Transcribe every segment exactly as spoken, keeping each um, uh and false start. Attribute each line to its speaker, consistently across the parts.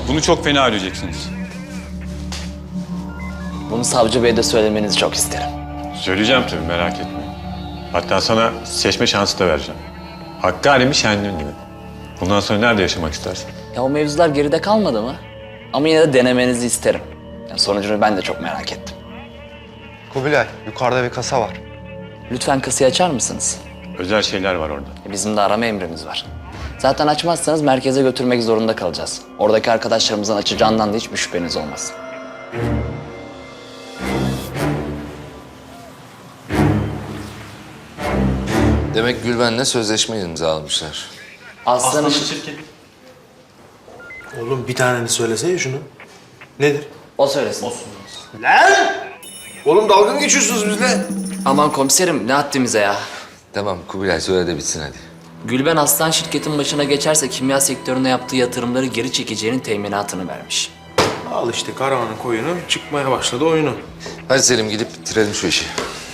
Speaker 1: Bunu çok fena ödeyeceksiniz.
Speaker 2: Bunu savcı beye de söylemenizi çok isterim.
Speaker 1: Söyleyeceğim tabii, merak etme. Hatta sana seçme şansı da vereceğim. Hakkari mi, Şenlin gibi. Bundan sonra nerede yaşamak istersin?
Speaker 2: Ya o mevzular geride kalmadı mı? Ama yine de denemenizi isterim. Yani sonucunu ben de çok merak ettim.
Speaker 3: Kubilay, yukarıda bir kasa var.
Speaker 2: Lütfen kasayı açar mısınız?
Speaker 1: Özel şeyler var orada.
Speaker 2: E, Bizim de arama emrimiz var. Zaten açmazsanız merkeze götürmek zorunda kalacağız. Oradaki arkadaşlarımızın açacağından da hiçbir şüpheniz olmasın.
Speaker 4: Demek Gülben'le sözleşme imzalamışlar.
Speaker 2: Aslanın
Speaker 5: Oğlum bir taneni söylesene şunu. Nedir?
Speaker 2: o söylesin.
Speaker 5: Oğlum dalga mı geçiyorsunuz bizle?
Speaker 2: Aman komiserim ne haddimize ya.
Speaker 4: Tamam Kubilay söyle de bitsin hadi.
Speaker 2: Gülben Aslan şirketin başına geçerse kimya sektörüne yaptığı yatırımları geri çekeceğinin teminatını vermiş.
Speaker 5: Al işte karavanın koyunu çıkmaya başladı oyunu.
Speaker 4: Hadi Selim gidip bitirelim şu işi.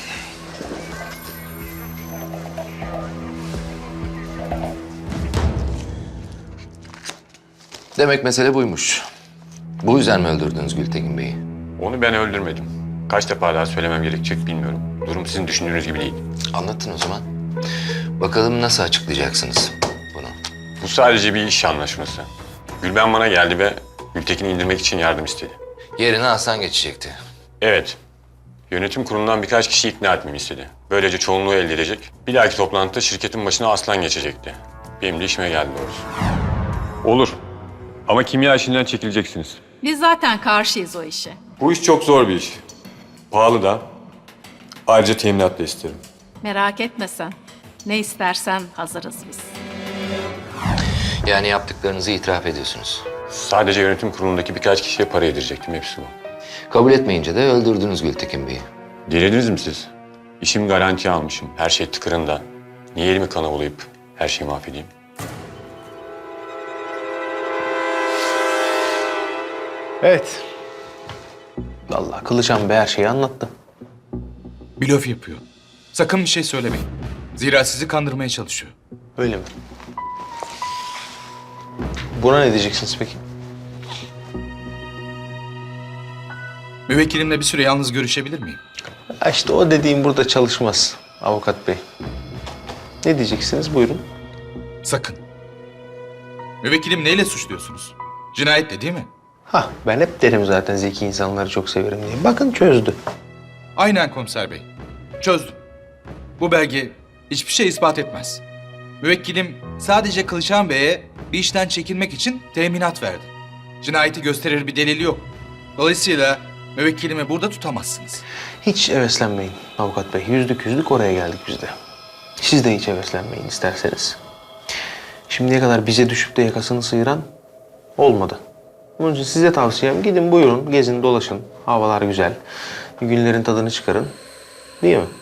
Speaker 4: Demek mesele buymuş. Bu yüzden mi öldürdünüz Gültekin Bey'i?
Speaker 1: Onu ben öldürmedim. Kaç defa daha söylemem gerekecek bilmiyorum. Durum sizin düşündüğünüz gibi değil.
Speaker 4: Anlatın o zaman. Bakalım nasıl açıklayacaksınız bunu?
Speaker 1: Bu sadece bir iş anlaşması. Gülben bana geldi ve Gültekin'i indirmek için yardım istedi.
Speaker 4: Yerine Aslan geçecekti.
Speaker 1: Evet. Yönetim kurulundan birkaç kişi ikna etmemi istedi. Böylece çoğunluğu elde edecek. Bir dahaki toplantıda şirketin başına Aslan geçecekti. Benim de işime geldi doğrusu. Olur. Ama kimya işinden çekileceksiniz.
Speaker 6: Biz zaten karşıyız o işe.
Speaker 1: Bu iş çok zor bir iş. Pahalı da. Ayrıca teminat da isterim.
Speaker 6: Merak etme sen. Ne istersen hazırız biz.
Speaker 4: Yani yaptıklarınızı itiraf ediyorsunuz.
Speaker 1: Sadece yönetim kurulundaki birkaç kişiye para yedirecektim. Hepsi bu.
Speaker 4: Kabul etmeyince de öldürdünüz Gültekin Bey'i.
Speaker 1: Delirdiniz mi siz? İşimi garantiye almışım. Her şey tıkırında. Niye elimi kana bulayıp her şeyi mahvedeyim?
Speaker 5: Evet. Vallahi Kılıçhan Bey her şeyi anlattı.
Speaker 7: Blöf yapıyor. Sakın bir şey söylemeyin. Zira sizi kandırmaya çalışıyor.
Speaker 5: Öyle mi? Buna ne diyeceksiniz peki?
Speaker 7: Müvekkilimle bir süre yalnız görüşebilir miyim?
Speaker 5: Ha işte o dediğim burada çalışmaz avukat bey. Ne diyeceksiniz? Buyurun.
Speaker 7: Sakın. Müvekkilim neyle suçluyorsunuz? Cinayetle değil mi?
Speaker 5: Hah ben hep derim zaten zeki insanları çok severim diye. Bakın çözdü.
Speaker 7: Aynen komiser bey. Çözdüm. Bu belge hiçbir şey ispat etmez. Müvekkilim sadece Kılıçhan Bey'e bir işten çekilmek için teminat verdi. Cinayeti gösterir bir delili yok. Dolayısıyla müvekkilimi burada tutamazsınız.
Speaker 5: Hiç heveslenmeyin avukat bey. Yüzlük yüzlük oraya geldik biz de. Siz de hiç heveslenmeyin isterseniz. Şimdiye kadar bize düşüp de yakasını sıyıran olmadı. Onun için size tavsiyem gidin buyurun gezin dolaşın. Havalar güzel. Günlerin tadını çıkarın. Değil mi?